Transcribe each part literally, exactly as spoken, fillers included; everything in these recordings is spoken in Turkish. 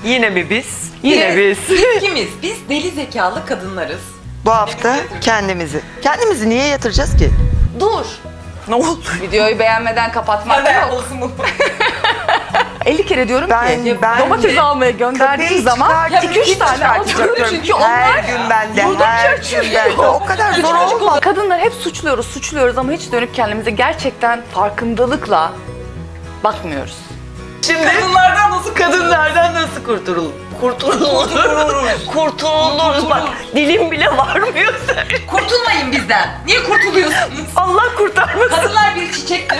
Yine mi biz? Yine biz. Biz kimiz? Biz deli zekalı kadınlarız. Bu hafta kendimizi. Kendimizi niye yatıracağız ki? Dur. Ne oldu? Videoyu beğenmeden kapatmak Hadi yok. yapmalısın bunu. elli kere diyorum Ben- ki ben- domates almaya gönderdiğim Köpeği zaman çıkartıp iki üç hiç tane çıkartacaktım. alıyorum. Çünkü Her onlar gün bende, buradaki her gün açılıyor. bende. O kadar zor olmaz. Kadınlar hep suçluyoruz, suçluyoruz ama hiç dönüp kendimize gerçekten farkındalıkla bakmıyoruz. Şimdi Kadınlardan nasıl kadınlardan nasıl kurtulur? Kurtuluruz. Kurtuluruz. Bak dilim bile varmıyor sen. Kurtulmayın bizden. Niye kurtuluyorsunuz? Allah kurtarmasın. Kadınlar bir çiçektir.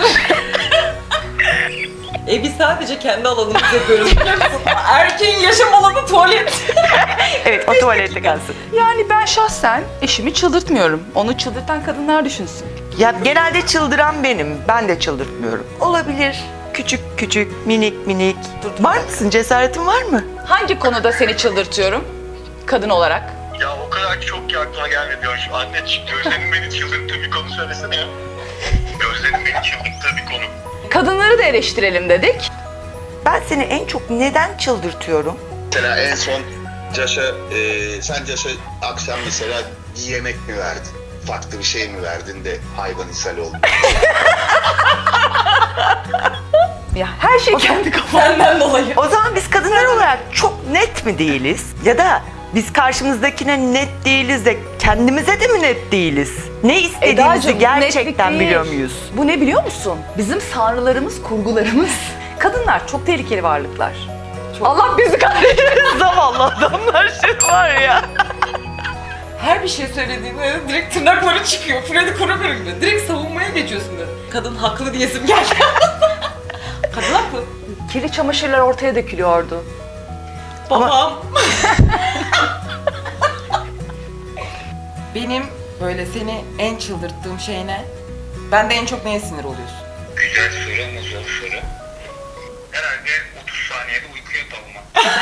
e biz sadece kendi alanımızda yapıyoruz biliyor musun? Erkeğin yaşam alanı tuvalet. Evet, o tuvalette kalsın. Yani ben şahsen eşimi çıldırtmıyorum. Onu çıldırtan kadınlar düşünsün. Ya genelde çıldıran benim. Ben de çıldırtmıyorum. Olabilir. Küçük küçük, minik minik. Var mısın? Cesaretin var mı? Hangi konuda seni çıldırtıyorum kadın olarak? Ya o kadar çok ki aklıma gelmedi ya. Şu anne Gözde'nin beni çıldırttığı bir konu söylesene ya. Gözde'nin beni çıldırttığı bir konu. Kadınları da eleştirelim dedik. Ben seni en çok neden çıldırtıyorum? Mesela en son Caş'a, e, sen Caş'a akşam mesela bir yemek mi verdin? Farklı bir şey mi verdin de hayvan ishal oldu? Ya her şey kendi kafamda. Senden dolayı. O zaman biz kadınlar olarak çok net mi değiliz? Ya da biz karşımızdakine net değiliz de kendimize de mi net değiliz? Ne istediğimizi Edacığım, bu gerçekten netlik değil. biliyor muyuz? Bu ne biliyor musun? Bizim tanrılarımız, kurgularımız. Kadınlar çok tehlikeli varlıklar. Allah bizi kahretsin. Zavallı adamlar şey var ya. Her bir şey söylediğinde direkt tırnakları çıkıyor. Freddy Krueger gibi. Direkt savunmaya geçiyorsun da. Kadın haklı diyesim geldi. Kadın haklı. Kirli çamaşırlar ortaya dökülüyordu. Babam. Benim böyle seni en çıldırttığım şey ne? Ben de en çok neye sinir oluyorsun? Güzel soru ama zor soru. Herhalde otuz saniyede uykuya dalma.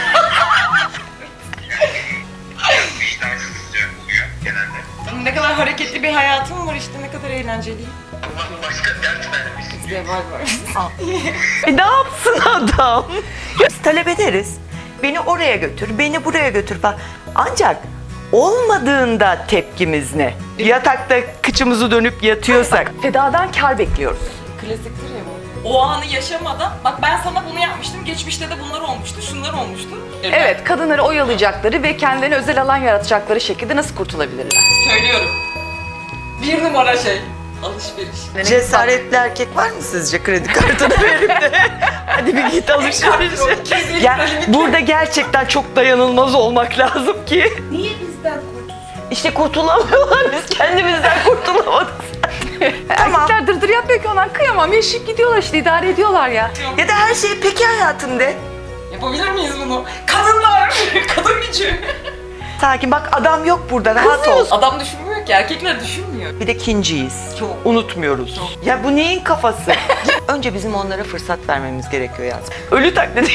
Yani vicdansızca oluyor genelde. Ne kadar hareketli bir hayatım var işte, ne kadar eğlenceliyim. Allah başka dert vermesin. Zeval var. E ne yapsın adam? Biz talep ederiz. Beni oraya götür, beni buraya götür falan. Ancak olmadığında tepkimiz ne? Yatakta kıçımızı dönüp yatıyorsak. Fedadan kar bekliyoruz. Klasiktir ya bu. O anı yaşamadan, bak ben sana bunu yapmıştım, geçmişte de bunlar olmuştu, şunlar olmuştu. Evet, kadınları oyalayacakları ve kendilerine özel alan yaratacakları şekilde nasıl kurtulabilirler? Söylüyorum. Bir numara şey. Alışveriş. Cesaretli erkek var mı sizce kredi kartını verip de hadi bir git alışverişe. Ya burada gerçekten çok dayanılmaz olmak lazım ki. Niye bizden kurtulsun? İşte kurtulamıyorlar, biz kendimizden kurtulamadık. Tamam. Erkekler dırdır yapmıyor ki onlar, kıyamam, yaşayıp gidiyorlar işte, idare ediyorlar ya. Ya da her şey peki hayatım de. Yapabilir miyiz bunu? Kadınlar! Kadın gücü! Sakin bak, adam yok burada, rahat ol. Adam düşünmüyor ki, erkekler düşünmüyor. Bir de kinciyiz. Çok. Unutmuyoruz. Ya bu neyin kafası? Önce bizim onlara fırsat vermemiz gerekiyor yalnız. Ölü taklidi.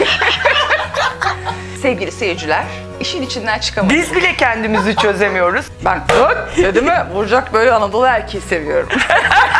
Sevgili seyirciler, işin içinden çıkamadık. Biz bile kendimizi çözemiyoruz. Ben öt dedi mi vuracak böyle Anadolu erkeği seviyorum.